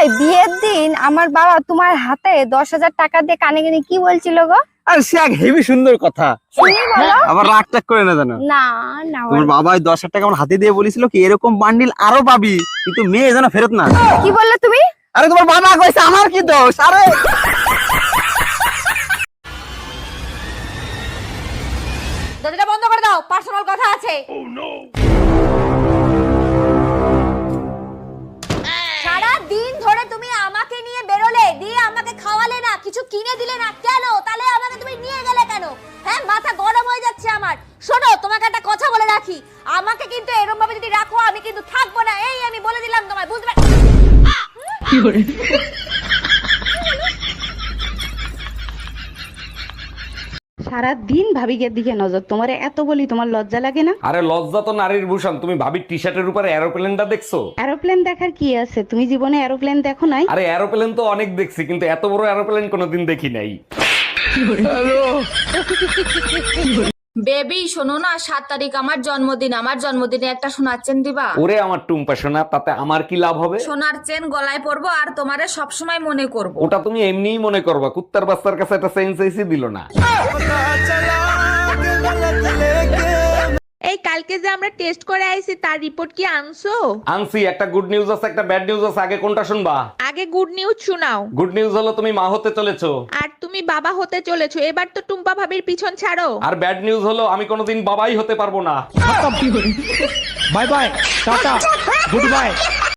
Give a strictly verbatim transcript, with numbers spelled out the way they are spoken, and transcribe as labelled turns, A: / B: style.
A: ভাই, বিয়ের দিন আমার বাবা তোমার হাতে দশ হাজার টাকা দিয়ে কানে কানে কি বলছিল গো?
B: আর সে এক হেভি সুন্দর কথা।
A: শুনি বলো।
B: আবার রাগ টাগ করে না জানো?
A: না না
B: তোমার
A: বলো।
B: বাবা ওই দশ হাজার টাকা আমার হাতে দিয়ে বলেছিল কি এরকম বান্ডিল আরো পাবি, কিন্তু মেয়ে যেন ফেরত না।
A: কি বললে তুমি?
B: আরে তোমার বাবা কইছে, আমার কি দোষ? আরে
C: দরজাটা বন্ধ করে দাও, পার্সোনাল কথা আছে। সারা দিন ধরে তুমি আমাকে নিয়ে বেরোলে, দিয়ে আমাকে খাওয়ালে না, কিছু কিনে দিলে না, কেন? তাহলে আমাকে তুমি নিয়ে গেলে কেন? হ্যাঁ, মাথা গরম হয়ে যাচ্ছে আমার। শোনো, তোমাকে একটা কথা বলে রাখি, আমাকে কিন্তু এরকম ভাবে যদি রাখো আমি কিন্তু থাকবো না, এই আমি বলে দিলাম তোমায়, বুঝতে পার? কি করে?
D: সারা দিন ভাবিকের দিকে নজর, তোমারে এত বলি তোমার লজ্জা লাগে না?
E: আরে লজ্জা তো নারীর ভূষণ। তুমি ভাবির টি শার্টের উপরে এরোপ্লেনটা দেখছো?
D: এরোপ্লেন দেখার কি আছে? তুমি জীবনে এরোপ্লেন দেখো নাই?
E: আরে এরোপ্লেন তো অনেক দেখছি, কিন্তু এত বড় এরোপ্লেন কোনোদিন দেখি নাই।
F: বেবি শোনো না, সাত তারিখ আমার জন্মদিন, আমার জন্মদিনে একটা সোনার চেন দিবা?
E: ওরে আমার টুম্পা সোনা, তাতে আমার কি লাভ হবে?
F: সোনার চেন গলায় পরবো আর তোমারে সবসময় মনে করব।
E: ওটা তুমি এমনিই মনে করবা, কুত্তার বাচ্চার কাছে একটা চেইন চাইছি দিল না।
G: এই কালকে যে আমরা টেস্ট করে আইছি তার রিপোর্ট কি আনছো?
E: আনছি, একটা গুড নিউজ আছে একটা ব্যাড নিউজ আছে, আগে কোনটা শুনবা?
G: আগে গুড নিউজ শোনাও।
E: গুড নিউজ হলো তুমি মা হতে চলেছো।
G: আর তুমি বাবা হতে চলেছো, এবার তো টুম্পা ভাবির পিছন ছাড়ো।
E: আর ব্যাড নিউজ হলো আমি কোনোদিন বাবাই হতে পারবো না।
H: Bye bye, tata, good bye.